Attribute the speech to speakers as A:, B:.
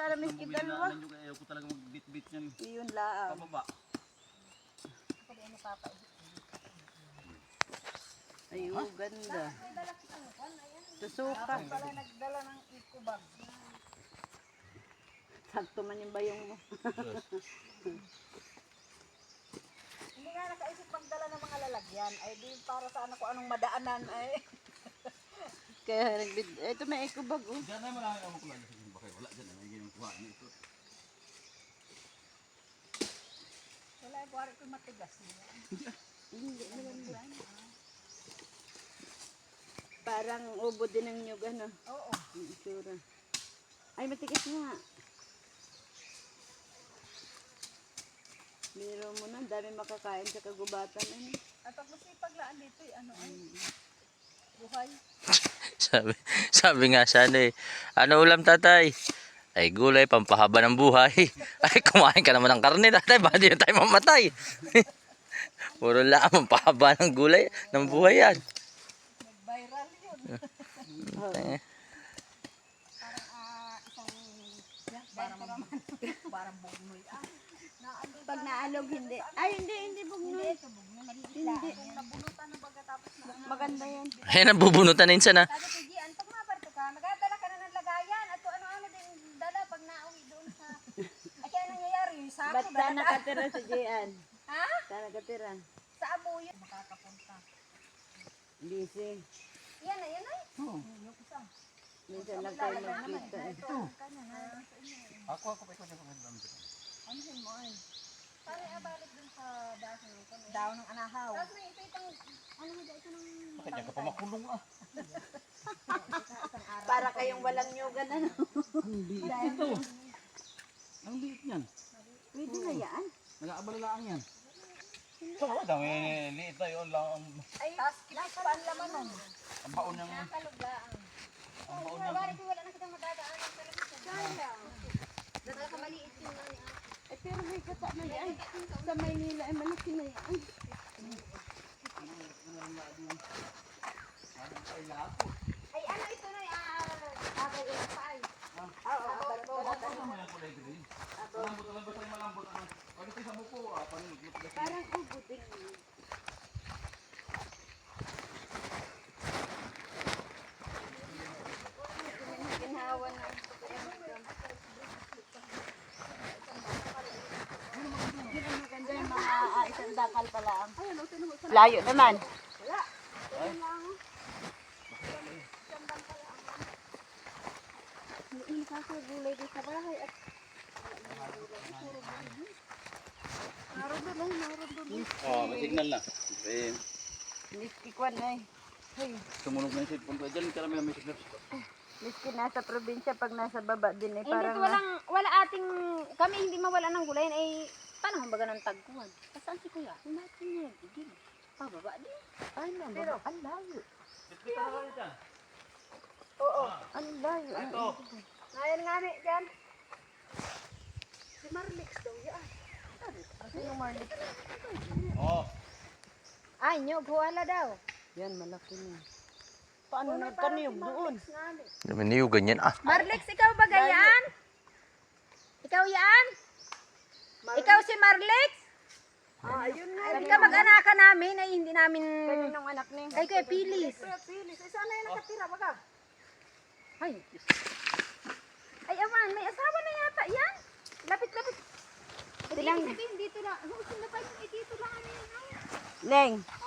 A: sana miski dalawa.
B: Ayaw ko talaga magbit-bit yan.
A: Iyon lang.
B: Pababa.
A: Ayun, ganda. Susuka.
C: Pala nagdala ng eco bag.
A: Sakto man yung bayong mo.
C: Hindi nga nakaisip magdala ng mga lalagyan. Ay di para sa ano ko anong madaanan ay.
A: Kaya nagbid. Ito may eco bag oh.
B: Diyan ay marami ako kulay. Bakit wala dyan. Ay yung kuha nito.
C: Wala yung buhari ko matigas.
A: Hindi naman. Parang ubo din ang nyug ano.
C: Oo.
A: Yung itsura. Ay matigas nga. Biro mo na, dami makakain sa kagubatan. Ano?
C: At pag masipag laan dito ano ay. Buhay.
D: sabi nga sana eh. Ano ulam tatay? Ay gulay, pampahaba ng buhay. Ay kumain ka naman ng karne tatay, baka di na tayo mamatay. Puro lang, pampahaba ng gulay, ng buhay yan.
C: Nag-viral yun. Parang parang bugnoy.
A: Pag naalog hindi. Ay hindi bugnoy. Hindi.
C: Nabunutan ng pagkatapos na.
A: Maganda yan.
D: Ay nabubunutan na yun sana.
C: Sabi ko, Gian, pag maparto ka, magdadala ka na ng lagayan. At kung ano-ano din dala pag nauwi doon sa... Ay, kaya nangyayari yung sako.
A: Ba't saan nakatira si Jian?
C: Ha?
A: Saan nakatira?
C: Sa abuyo. Makakapunta.
A: Busy.
C: Yan na, yan ay. Yung isa.
A: Minsan lang tayo magkita.
C: Ito.
B: Ako pa ikaw niya pagkakalam dito.
C: Ano yun mo ay? Paano ibalik dun sa daon ng anahaw? Tapos may ito itong... Ano mo ito ng...
B: Bakit yan ka pa makulong ah?
A: Para kayong walang nyugan ano.
B: Ang liit ito. Ang liit yan.
A: Pwede na yan.
B: Nag-aabalalaan yan. Ito nga, dami liit na yun lang.
C: Ay, tapos kinais pa ang laman nun.
B: Ang baon ng...
C: Nakaluglaan.
B: Ang baon ng...
C: Wala na kitang madadaanan talaga sa daan. Dadala ka maliit yun na niya.
A: Eh pero may kata na yan. Sa Maynila ay malaki na yan.
C: Ay, ano ito na agay yung paay.
A: Parang ubutin. Ginawa na. Maganda yung mga isang dakal pala. Layo naman. Hindi kakagulay din sa bahay at naroon doon.
B: Oh, may signal na. Eh,
A: Miski kwan na eh. Hey,
B: sumunog na yung cellphone ko. Diyan karami may signal.
A: miski nasa probinsya pag nasa baba din eh.
C: Hindi
A: Parang
C: wala ating, kami hindi mawala ng gulay ay panahon baga ng tagkuhan. Saan si kuya?
A: natin yan. Igil.
C: Pababa din.
A: Ay,
C: Pero,
A: ang layo.
B: Bitbit na lang dyan.
C: Oo.
A: Ang layo.
B: Ito.
C: Ngayon nga ni, dyan. Si Marlix daw yan.
A: Ano yung Marley?
B: Oh.
C: Ay, nyog, huwala daw.
A: Yan, malaki niya. Paano nagkaniyog doon?
D: Maniyugan yan ah.
C: Marlix, ikaw ba ganyan? Ikaw yan? Ikaw si Marlix?
A: Ayun nga.
C: Sabi ka mag-anakan namin ay hindi namin...
A: Kaninong anak niya?
C: Ay, kuya Pilis. Kuya Pilis. Ay, sana yung nakatira baga? Ay. Ay, aman, may asawa na yata yan. Lapit-lapit. Silang... Dito na. Huwag sila tayo, dito lang ano yun.
A: Neng,